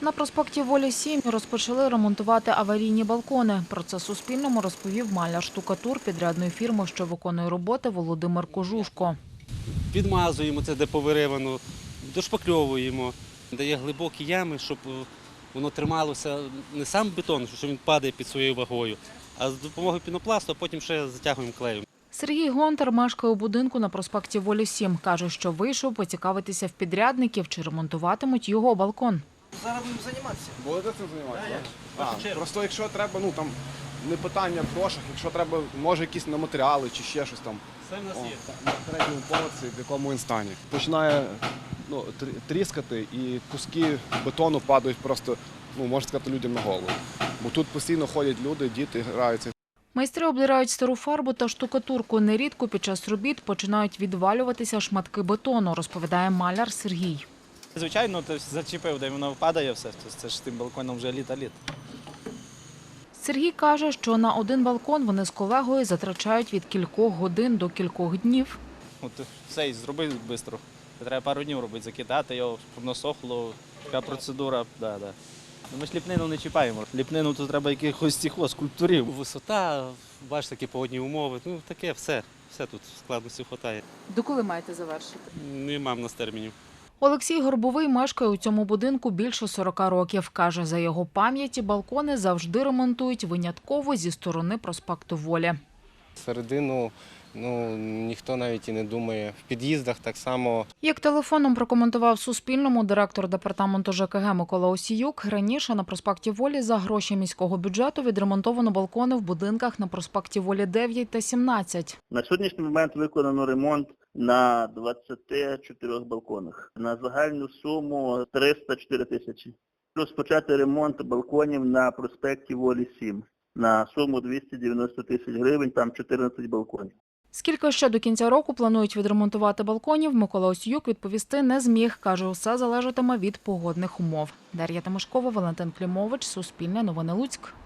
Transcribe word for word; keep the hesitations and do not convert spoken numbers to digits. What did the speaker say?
На проспекті Волі сім розпочали ремонтувати аварійні балкони. Про це Суспільному розповів маляр-штукатур підрядної фірми, що виконує роботи, Володимир Кожушко. Підмазуємо це, де повиривано, дошпакльовуємо, дає глибокі ями, щоб воно трималося не сам бетон, що він падає під своєю вагою, а з допомогою пінопласту, а потім ще затягуємо клеєм. Сергій Гонтар мешкає у будинку на проспекті Волі сім. Каже, що вийшов поцікавитися в підрядників, чи ремонтуватимуть його балкон. Зараз будемо займатися. Будете цим займатися? А, просто якщо треба, ну там не питання в грошах, якщо треба, може якісь на матеріали чи ще щось там. Все в нас О, є. на третьому поверсі, в якому він стані. Починає ну, трі- тріскати і куски бетону падають просто, ну можна сказати, людям на голову. Бо тут постійно ходять люди, діти граються. Майстри обдирають стару фарбу та штукатурку. Нерідко під час робіт починають відвалюватися шматки бетону, розповідає маляр Сергій. Звичайно, ти зачепив, де воно впадає все. Це ж тим балконом вже літа-літ. Сергій каже, що на один балкон вони з колегою затрачають від кількох годин до кількох днів. От все, і зроби швидко. Треба пару днів робити, закидати його, щоб воно сохло. Така процедура, да, да. Ми ж ліпнину не чіпаємо. Ліпнину то треба якихось цих скульптурів. Висота, бачите, такі погодні умови, ну таке все, все тут складності вистачає. Доколи маєте завершити? Нема в нас термінів. Олексій Горбовий мешкає у цьому будинку більше сорока років. Каже, за його пам'яті балкони завжди ремонтують винятково зі сторони проспекту Волі. Середину ну, ніхто навіть і не думає. В під'їздах так само. Як телефоном прокоментував Суспільному директор департаменту ЖКГ Микола Осіюк, раніше на проспекті Волі за гроші міського бюджету відремонтовано балкони в будинках на проспекті Волі дев'ять та сімнадцять. На сьогоднішній момент виконано ремонт на двадцяти чотирьох балконах на загальну суму триста чотири тисячі. Розпочати ремонт балконів на проспекті Волі сім на суму двісті дев'яносто тисяч гривень, там чотирнадцять балконів. Скільки ще до кінця року планують відремонтувати балконів, Микола Осіюк відповісти не зміг. Каже, усе залежатиме від погодних умов. Дар'я Тимошкова, Валентин Клімович, Суспільне новини Луцьк.